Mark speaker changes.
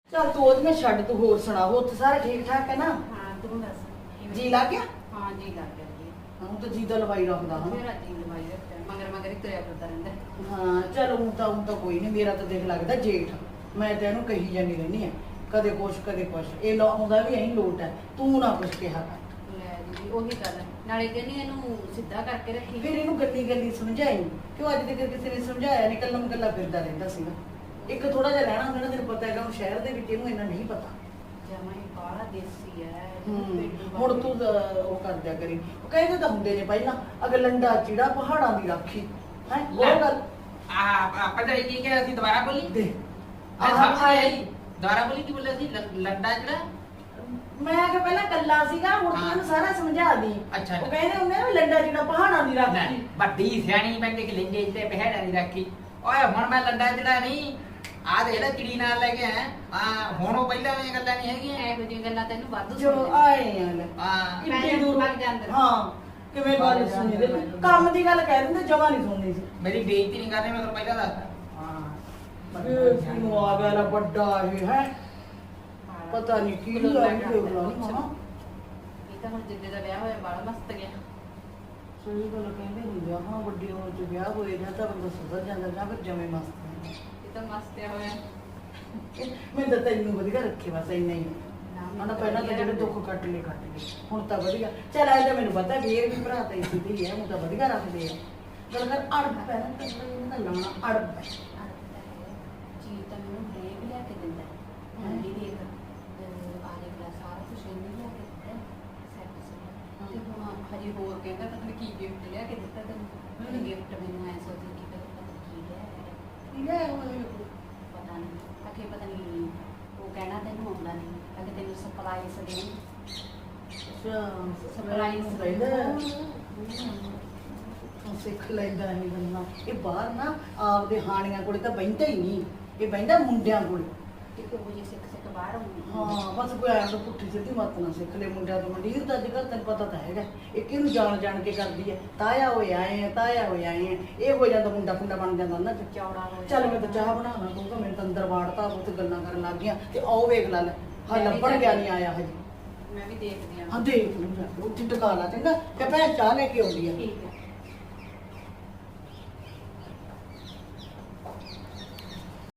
Speaker 1: ਚੱਲ ਤੂੰ ਉਹਦੀਆਂ ਛੱਡ, ਤੂੰ ਹੋਰ ਸੁਣਾ। ਹੋਰ ਤਾਂ ਸਾਰੇ ਠੀਕ ਠਾਕ ਹੈ ਨਾ?
Speaker 2: ਹਾਂ ਤੂੰ ਦੱਸ ਕਿਵੇਂ?
Speaker 1: ਜੀ ਲੱਗ ਗਿਆ?
Speaker 2: ਹਾਂ ਜੀ ਲੱਗ ਗਿਆ ਜੀ।
Speaker 1: ਹੁਣ ਤਾਂ ਜੀ ਦਾ ਲਵਾਈ ਰੱਖਦਾ ਹਾਂ।
Speaker 2: ਮੇਰਾ ਜੀ ਲਵਾਈ ਰੱਖਿਆ ਮਗਰ ਮਗਰ ਹੀ ਤੁਰਿਆ ਫਿਰਦਾ ਰਹਿੰਦਾ।
Speaker 1: ਹਾਂ ਚੱਲ ਹੁਣ ਤਾਂ ਕੋਈ ਨਹੀਂ। ਮੇਰਾ ਤਾਂ ਦੇਖ ਲੱਗਦਾ ਜੇਠ। ਮੈਂ ਤਾਂ ਇਹਨੂੰ ਕਹੀ ਜਾਂਦੀ ਰਹਿੰਦੀ ਆ, ਕਦੇ ਕੁਛ ਕਦੇ ਕੁਛ। ਇਹ ਲਾਉਂਦਾ ਵੀ ਐਂ ਲੋਟ ਹੈ, ਤੂੰ ਨਾ ਕੁਛ ਕਿਹਾ ਕਰ।
Speaker 2: ਲੈ ਦੀਦੀ ਉਹੀ ਗੱਲ ਨਾਲੇ ਕਹਿੰਦੀ ਇਹਨੂੰ ਸਿੱਧਾ ਕਰਕੇ ਰੱਖੀ।
Speaker 1: ਫਿਰ ਇਹਨੂੰ ਗੱਲੀ ਗੱਲੀ ਸਮਝਾਈ, ਕਿਉਂ ਅੱਜ ਤੱਕ ਕਿਸੇ ਨੇ ਸਮਝਾਇਆ ਨਹੀਂ, ਕੱਲਾ ਮਕੱਲਾ ਫਿਰਦਾ ਰਹਿੰਦਾ ਸੀਗਾ। ਇੱਕ ਥੋੜਾ ਜਿਹਾ ਰਹਿਣਾ ਹੁੰਦਾ ਨਾ, ਤੈਨੂੰ ਪਤਾ ਹੈਗਾ ਹੁਣ ਸ਼ਹਿਰ ਦੇ ਵਿੱਚ ਇਹਨੂੰ ਇੰਨਾ ਨਹੀਂ ਪਤਾ।
Speaker 2: ਜਮਾਂ ਹੀ ਬਾਹਲਾ ਦੇਸੀ ਹੈ।
Speaker 1: ਹੁਣ ਤੂੰ ਉਹ ਕਰ ਦਿਆ ਕਰੀ। ਉਹ ਕਹਿੰਦੇ ਤਾਂ ਹੁੰਦੇ ਨੇ ਪਹਿਲਾਂ, ਅਗਰ ਲੰਡਾ ਚਿੜਾ ਪਹਾੜਾਂ ਦੀ ਰਾਖੀ ਹੈ ਉਹ ਗੱਲ।
Speaker 3: ਆਪਾਂ ਤਾਂ ਕੀ ਕਿਹਾ ਸੀ, ਦੁਬਾਰਾ ਬੋਲੀ
Speaker 1: ਦੇ
Speaker 3: ਮੈਂ ਸਮਝ ਨਹੀਂ ਆਈ। ਦੁਬਾਰਾ ਬੋਲੀ ਕੀ ਬੋਲਿਆ ਸੀ? ਲੰਡਾ ਜਿਹੜਾ
Speaker 1: ਮੈਂ ਕਿ ਪਹਿਲਾਂ ਕੱਲਾ ਸੀਗਾ, ਹੁਣ ਤੂੰ ਇਹਨੂੰ ਸਾਰਾ ਸਮਝਾ ਦੀ।
Speaker 3: ਅੱਛਾ।
Speaker 1: ਉਹ ਕਹਿੰਦੇ ਹੁੰਦੇ ਨਾ ਲੰਡਾ ਚਿੜਾ ਪਹਾੜਾਂ ਦੀ ਰਾਖੀ।
Speaker 3: ਵੱਡੀ ਸਿਆਣੀ ਬੰਦੇ ਕਿ ਲੈਂਦੇ ਤੇ ਪਹਿੜਾ ਨਹੀਂ ਰੱਖੀ। ਓਏ ਹੁਣ ਮੈਂ ਲੰਡਾ ਜਿਹੜਾ ਨਹੀਂ ਆ ਦੇ ਜਿਹੜਾ ਚਿੜੀ ਨਾਲ ਲੈ ਕੇ ਆਇਆ ਆ, ਹੁਣ ਉਹ ਪਹਿਲਾਂ ਵਾਲੀਆਂ ਗੱਲਾਂ ਨਹੀਂ ਹੈਗੀਆਂ।
Speaker 2: ਇਹੋ ਜਿਹੀਆਂ ਗੱਲਾਂ ਤੈਨੂੰ ਵਾਧੂ
Speaker 1: ਜੋ ਆਏ ਆ ਲੈ
Speaker 3: ਹਾਂ
Speaker 1: ਕਿੰਨੀ ਦੂਰ
Speaker 2: ਭੱਜ ਜਾਂਦੇ।
Speaker 1: ਹਾਂ ਕਿਵੇਂ ਗੱਲ ਸੁਣੀ ਦੇ, ਕੰਮ ਦੀ ਗੱਲ ਕਹਿ ਦਿੰਦੇ, ਜਮਾ ਨਹੀਂ ਸੁਣਨੀ ਸੀ।
Speaker 3: ਮੇਰੀ ਬੇਇੱਜ਼ਤੀ ਨਹੀਂ ਕਰਨੀ, ਮੈਂ ਤੁਹਾਨੂੰ ਪਹਿਲਾਂ ਦੱਸਦਾ।
Speaker 1: ਇਹ ਕਿਉਂ ਆ ਗਿਆ ਲਾ ਵੱਡਾ ਇਹ ਹੈ, ਪਤਾ ਨਹੀਂ ਕੀ ਹੋਇਆ ਇਹ ਹਾਂ।
Speaker 2: ਇਹ ਤਾਂ ਹੁਣ ਜਿੱਦੇ ਦਾ ਵਿਆਹ ਹੋਇਆ ਬੜਾ ਮਸਤ ਗਿਆ।
Speaker 1: ਸਹੀ ਗੱਲ ਕਹਿੰਦੇ ਹੁੰਦੇ ਆ, ਹਾਂ ਵੱਡੀ ਉਮਰ ਚ ਵਿਆਹ ਹੋਏ ਜਾਂ ਤਾਂ ਬੰਦਾ ਸੁਧਰ ਜਾਂਦਾ ਜਾਂ ਫਿਰ ਜਮੇ ਮਸਤ
Speaker 2: ਇਹ ਤਾਂ ਮਸਤ ਹੋਇਆ।
Speaker 1: ਮੈਂ ਤਾਂ ਤੈਨੂੰ ਵਧੀਆ ਰੱਖੇ ਬਸ ਇੰਨਾ ਹੀ। ਹੁਣ ਪਹਿਲਾਂ ਤਾਂ ਜਿਹੜੇ ਦੁੱਖ ਕੱਟ ਲਏ ਹੁਣ ਤਾਂ ਵਧੀਆ। ਚੱਲ ਐ ਤਾਂ ਮੈਨੂੰ ਪਤਾ ਵੀ ਇਹ ਵੀ ਭਰਾ ਤਾਂ ਇਸੇ ਦੀ ਹੈ, ਹੁਣ ਤਾਂ ਵਧੀਆ ਰੱਖਦੇ ਆ। ਗੱਲ ਕਰ ਅੜਬ ਪੈਣਾ ਤਾਂ ਇਹਨਾਂ ਦਾ ਲਾਉਣਾ ਅੜਬ ਹੈ।
Speaker 2: ਚੀਜ਼ ਤਾਂ ਮੈਨੂੰ ਹਰੇਕ ਲਿਆ ਕੇ ਦਿੰਦਾ। ਮੰਡੀ ਦੇਖ ਆਲੇ ਗਲਾ ਸਾਰਾ ਕੁਝ ਇਹਨੇ ਲਿਆ ਕੇ ਦਿੱਤਾ ਸੈੱਟ ਸੀ। ਤੇ ਹੁਣ ਹਜੇ ਹੋਰ ਕਹਿੰਦਾ ਤਾਂ ਕੀ ਗਿਫਟ ਲਿਆ ਕੇ ਦਿੱਤਾ ਤੈਨੂੰ? ਗਿਫਟ ਮੈਨੂੰ ਐ ਸੋਚੀ ਕਿ ਪਤਾ ਕੀ ਲਿਆ ਪਤਾ ਨਹੀਂ। ਅਕੇ ਪਤਾ ਨਹੀਂ ਉਹ ਕਹਿਣਾ ਤੈਨੂੰ ਆਉਂਦਾ ਨਹੀਂ, ਅਗੇ ਤੈਨੂੰ ਸਰਪ੍ਰਾਈਜ਼ ਦੇਣ। ਸਰਪ੍ਰਾਈਜ਼
Speaker 1: ਸਿੱਖ ਲੈਂਦਾ ਇਹ ਗੱਲਾਂ। ਇਹ ਬਾਹਰ ਨਾ ਆਪਦੇ ਹਾਣੀਆਂ ਕੋਲੇ ਤਾਂ ਬਹਿੰਦਾ ਹੀ ਨਹੀਂ, ਇਹ ਬਹਿੰਦਾ ਮੁੰਡਿਆਂ ਕੋਲੇ।
Speaker 2: ਇੱਕ ਉਹ ਜੀ ਸਿੱਖ ਬਾਹਰ ਆਉਂਦੀ।
Speaker 1: ਹਾਂ ਬਸ ਕੋਈ ਆਇਆ ਤਾਂ ਪੁੱਠੀ ਸਿੱਧੀ ਮੱਤ ਨਾ ਸਿੱਖ ਲੈ ਮੁੰਡਿਆਂ ਤੋਂ। ਮੰਡੀਰ ਤਾਂ ਅੱਜ ਕੱਲ੍ਹ ਤੈਨੂੰ ਪਤਾ ਤਾਂ ਹੈਗਾ, ਇਹ ਕਿਹਨੂੰ ਜਾਣ ਕੇ ਕਰਦੀ ਹੈ। ਤਾਇਆ ਹੋਏ ਆਏ ਆ, ਤਾਇਆ ਹੋਏ ਆਏ ਆ, ਇਹ ਹੋ ਜਾਂਦਾ ਮੁੰਡਾ ਖੁੰਡਾ ਬਣ ਜਾਂਦਾ ਨਾ
Speaker 2: ਚੌੜਾ ਹੋ
Speaker 1: ਚੱਲ ਮੈਂ ਤਾਂ ਚਾਹ ਬਣਾਉਣਾ ਕਹੂੰਗਾ, ਮੈਨੂੰ ਤਾਂ ਅੰਦਰ ਵਾੜਤਾ, ਉਹ ਤੇ ਗੱਲਾਂ ਕਰਨ ਲੱਗ ਗਈਆਂ। ਤੇ ਆਓ ਵੇਖ ਲੈ ਹਾਂ ਲੱਭਣ ਗਿਆ ਨਹੀਂ ਆਇਆ ਹਜੇ।
Speaker 2: ਮੈਂ ਵੀ ਦੇਖਦੀ
Speaker 1: ਹਾਂ ਦੇਖ ਲੂੰਗਾ ਉੱਥੇ ਟਕਾ ਲਾ ਚੰਗਾ ਕਿ ਭੈਣ ਚਾਹ ਲੈ ਕੇ ਆਉਂਦੀ ਆ।
Speaker 2: ਠੀਕ ਹੈ।